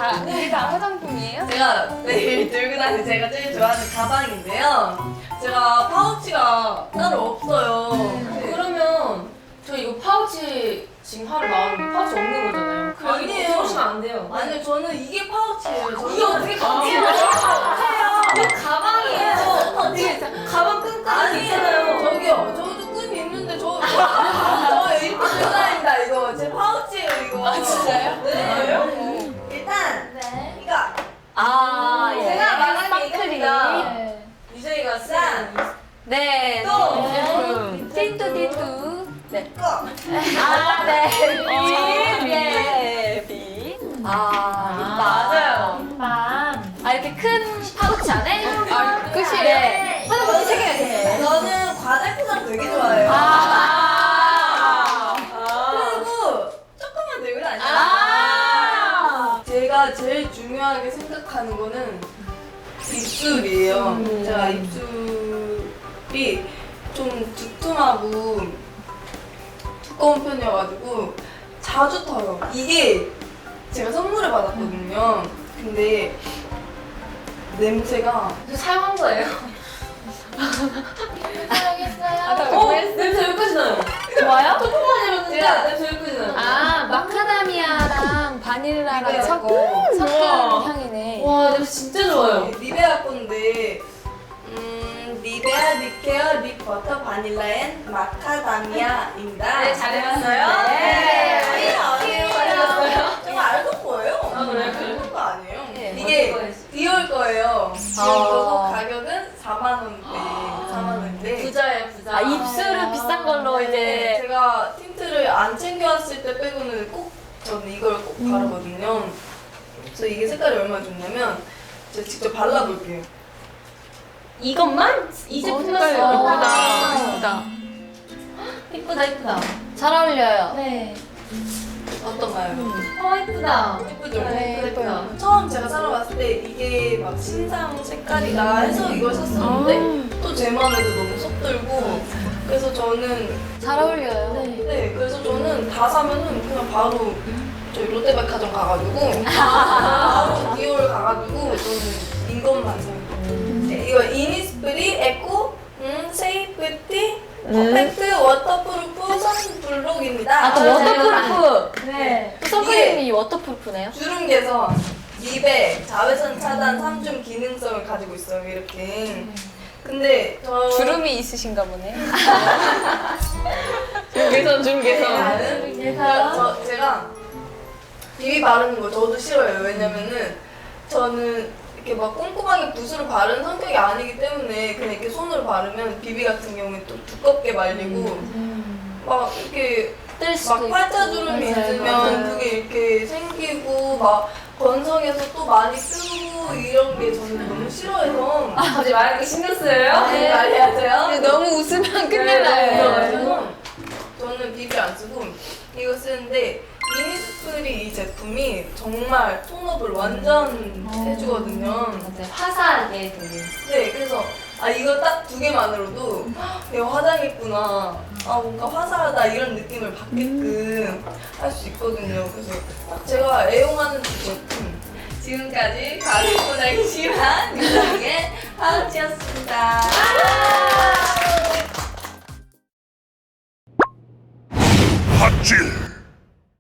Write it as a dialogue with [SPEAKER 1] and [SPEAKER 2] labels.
[SPEAKER 1] 이게 다 화장품이에요?
[SPEAKER 2] 제가 매일 들고 다니는 제가 제일 좋아하는 가방인데요. 제가 파우치가 따로 없어요.
[SPEAKER 3] 그러면 저 이거 파우치 지금 하루 나왔는데 파우치 없는 거잖아요.
[SPEAKER 2] 아니에요.
[SPEAKER 3] 그러시면 안 돼요.
[SPEAKER 2] 아니요, 저는 이게 파우치예요.
[SPEAKER 3] 이게 어떻게 가방이에요? 가방이에요. 어떻게 가방 끈끈이 있잖아요.
[SPEAKER 2] 저기요, 저도 끈이 있는데 저 이렇게 들고 다닌다 이거. 제 파우치예요 이거.
[SPEAKER 3] 아, 진짜요?
[SPEAKER 2] 네. 일단
[SPEAKER 1] 네.
[SPEAKER 2] 이거
[SPEAKER 3] 제가 말한 게
[SPEAKER 1] 스파클링.
[SPEAKER 3] 이겁니다.
[SPEAKER 1] 네.
[SPEAKER 3] 유정이가 쓴
[SPEAKER 1] 네.
[SPEAKER 2] 또
[SPEAKER 1] 제품. 틴투. 네.
[SPEAKER 2] 이거.
[SPEAKER 1] 아, 네.
[SPEAKER 3] 네.
[SPEAKER 1] 비.
[SPEAKER 3] 맞아요.
[SPEAKER 1] 아, 이렇게 큰 파우치 안에?
[SPEAKER 3] 끝이에요?
[SPEAKER 1] 네. 화장품 세 개가 있어요.
[SPEAKER 2] 저는 과자 포장 되게 좋아해요. 그리고 조금만 들고 다녀요. 제가 제일 중요하게 생각하는 거는 입술이에요. 제가 입술이 좀 두툼하고 두꺼운 편이어가지고 자주 터요. 이게 제가 선물을 받았거든요. 근데 냄새가
[SPEAKER 3] 저 사용한 거예요.
[SPEAKER 1] 사용했어요.
[SPEAKER 3] 냄새 여기까지 나요.
[SPEAKER 1] 좋아요?
[SPEAKER 3] 조금만 해봤는데
[SPEAKER 2] 제가-
[SPEAKER 3] 냄새 여기까지 나요.
[SPEAKER 1] 아, 마카다미아랑 바닐라랑
[SPEAKER 2] 리베아
[SPEAKER 1] 섞은
[SPEAKER 3] 우와.
[SPEAKER 1] 향이네.
[SPEAKER 3] 와 냄새 진짜 좋아요.
[SPEAKER 2] 리베아 건데 리베아 립케어 립버터 바닐라 앤 마카다미아입니다.
[SPEAKER 3] 네, 잘 해봤어요?
[SPEAKER 2] 네. 아니에요. 제가 알던 거예요.
[SPEAKER 3] 아, 그래요?
[SPEAKER 2] 알던 거 아니에요.
[SPEAKER 1] 네.
[SPEAKER 2] 이게
[SPEAKER 3] 어디 거였어요?
[SPEAKER 2] 디올 거예요. 디올 거고 가격은 4만 원대. 4만 원인데.
[SPEAKER 3] 부자예요 부자.
[SPEAKER 1] 아, 입술은 비싼 걸로 이제.
[SPEAKER 2] 제가 틴트를 안 챙겨왔을 때 빼고는 꼭 저는 이걸 꼭 바르거든요. 그래서 이게 색깔이 얼마나 좋냐면 제가 직접 발라볼게요.
[SPEAKER 3] 이것만? 이 제품만
[SPEAKER 1] 색깔
[SPEAKER 3] 써요.
[SPEAKER 1] 예쁘다.
[SPEAKER 3] 이쁘다 이쁘다.
[SPEAKER 1] 잘 어울려요.
[SPEAKER 3] 네.
[SPEAKER 2] 어떤가요?
[SPEAKER 3] 이쁘다.
[SPEAKER 2] 예쁘죠?
[SPEAKER 1] 네, 예뻐요.
[SPEAKER 2] 처음 제가 사러 갔을 때 이게 막 신상 색깔이다 해서 이걸 샀었는데 또 제 맘에도 너무 쏙 들고 그래서 저는
[SPEAKER 1] 잘 어울려요.
[SPEAKER 2] 네 그래서 저는 다 사면은 그냥 바로 저희 롯데백화점 가가지고 바로 디올 가가지고 저는 이것만 사요. 네, 이거 이니스프리 에코 세이프티 퍼펙트 워터프루프 선블록입니다.
[SPEAKER 1] 아, 또 워터프루프.
[SPEAKER 3] 네.
[SPEAKER 1] 또 선크림이 워터프루프네요.
[SPEAKER 2] 주름 개선, 미백, 자외선 차단 3중 기능성을 가지고 있어요. 이렇게. 근데 저
[SPEAKER 1] 주름이 있으신가 보네.
[SPEAKER 3] 주름
[SPEAKER 2] 제가 비비 바르는 거 저도 싫어요. 왜냐면은 저는 이렇게 막 꼼꼼하게 붓으로 바르는 성격이 아니기 때문에 그냥 이렇게 손으로 바르면 비비 같은 경우에 또 두껍게 말리고 막 이렇게
[SPEAKER 1] 뜰 수도
[SPEAKER 2] 막
[SPEAKER 1] 있고.
[SPEAKER 2] 팔자주름이
[SPEAKER 1] 맞아요,
[SPEAKER 2] 있으면
[SPEAKER 1] 맞아요.
[SPEAKER 2] 그게 이렇게 생기고 막 건성에서 또 많이 뜨고 이런 게 저는 너무 싫어해서
[SPEAKER 3] 갑자기 말하기 신경 쓰여요?
[SPEAKER 2] 네, 말해야죠.
[SPEAKER 1] 너무 웃으면 큰일
[SPEAKER 3] 네,
[SPEAKER 1] 나요.
[SPEAKER 2] 그래서 저는 비비 안 쓰고 이거 쓰는데 이니스프리 이 제품이 정말 톤업을 완전 해주거든요.
[SPEAKER 3] 맞아요. 화사하게 되게.
[SPEAKER 2] 네, 그래서 아 이거 딱 두 개만으로도 내가 화장했구나, 아 뭔가 화사하다 이런 느낌을 받게끔 할 수 있거든요. 그래서 딱 제가 애용하는 두 제품. 지금까지 가을 포장이 심한 유정의 파우치였습니다.